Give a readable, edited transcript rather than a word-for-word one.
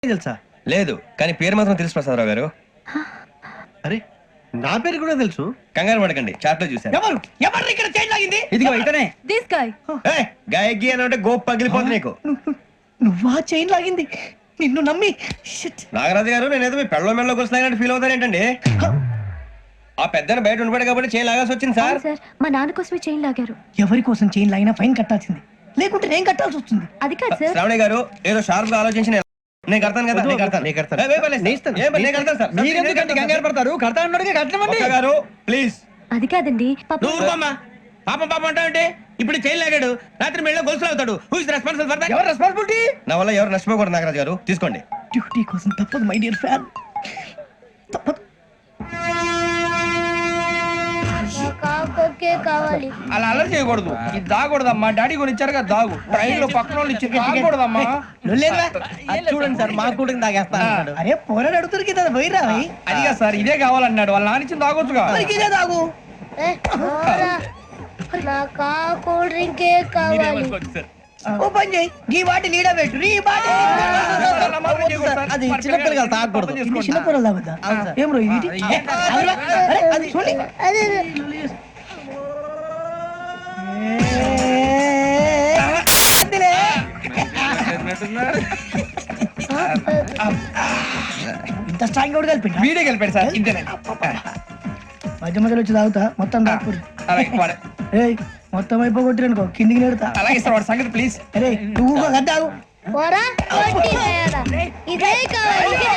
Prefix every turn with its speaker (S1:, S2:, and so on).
S1: తెలుసా?
S2: లేదు, కానీ పేరు మాత్రం తెలుసు ప్రసాదరావు గారు.
S1: అరే నా పేరు కూడా తెలుసు.
S2: కంగారు పడకండి, చాట్ లో చూసాను.
S1: ఎవరు ఎవరు ఇక్కడ చైన్ లాగింది?
S2: ఇదిగో ఇతనే.
S3: This guy.
S2: గాయకి అని అంటే గోప్ పగిలిపోతుంది నీకు.
S1: నువ్వా చైన్ లాగింది? నిన్ను నమ్మి shit.
S2: నాగరాజు గారు, నేనేదో మీ పెళ్ళ మెళ్ళ గురిసిలాగినట్టు ఫీల్ అవుతాను ఏంటండి? ఆ పెద్దని బయట ఉండిపోయాడు కాబట్టి చేయి లాగాల్సి వచ్చింది సార్.
S3: సార్ మా నాన్న కోసమే చైన్ లాగారు.
S1: ఎవరి కోసం చైన్ లాగినా ఫైన్ కట్టాల్సింది, లేకుంటే నేను కట్టాల్సి వస్తుంది.
S3: అది కాదు సార్.
S2: శ్రావణి గారు ఏదో షార్ప్ గా ఆలోచించి నేను కడతాను కదా. నేను కడతాను. ఏ, ఏ, పర్లేదు. ఏ, నేను కడతాను సార్.
S1: మీరెందుకంటే కంగారు పడతారు? కడతా అన్నాడుగా, కట్టమండి.
S2: ఒక్క గారు ప్లీజ్.
S3: అది కాదండి
S4: నువ్వు ఊరుకోమ్మా. పాపం పాపం అంటావంటే ఇప్పుడు చైన్ లాగాడు, రాత్రి మెళ్ళ గొలుసులు అవుతాడు. Who is responsible for that?
S1: ఎవరు రెస్పాన్సిబిలిటీ?
S2: నా వల్ల ఎవరు నష్టపోకూడదు నాగరాజు గారు, తీసుకోండి.
S1: డ్యూటీ కోసం తప్పదు మై డియర్ ఫ్యాన్, తప్పదు.
S5: కావాలి.
S4: అలా అల్లరి చేయకూడదు. ఇది దాగకూడదమ్మా. డాడీ కొని ఇచ్చారు కదా దాగు. ట్రైన్ లో పక్కన వాళ్ళు ఇచ్చి దాగకూడదమ్మా.
S1: చూడండి సార్, మా కూడా తాగేస్తా. అరే పోరాడు అడుగుతారు కదా, పోయిరా
S4: అదిగా సార్, ఇదే కావాలన్నాడు. వాళ్ళ నాన్న ఇచ్చింది తాగొచ్చుగా.
S1: ఇదే తాగు.
S5: నాకు కూల్ డ్రింకే కావాలి.
S1: ఓ పని చేయి, ఈ బాటి లీడ పెట్టు. ఈ బాటి అది చిన్నపిల్లలు కదా, తాగకూడదు. ఇది చిన్నపిల్లలు తాగుతా. ఏం రో ఇది? అరే, అది చూడండి.
S5: అదే
S1: ఇంత స్ట్రాంగ్ కూడా కలిపి
S4: వీడే గెలిపాడు సార్. ఇంతేనే.
S1: మధ్య మధ్యలో వచ్చి తాగుతా, మొత్తం తాగుతుంది.
S4: అలాగే వాడు.
S1: ఏయ్ మొత్తం అయిపోగొట్టిరనుకో, కిందికి నేడుతా.
S4: అలాగే సార్, వాడు సంగతి ప్లీజ్.
S1: అరే నువ్వు కదా తాగు.
S5: పోరా, కొట్టి తయారా. ఇదే కావాలి.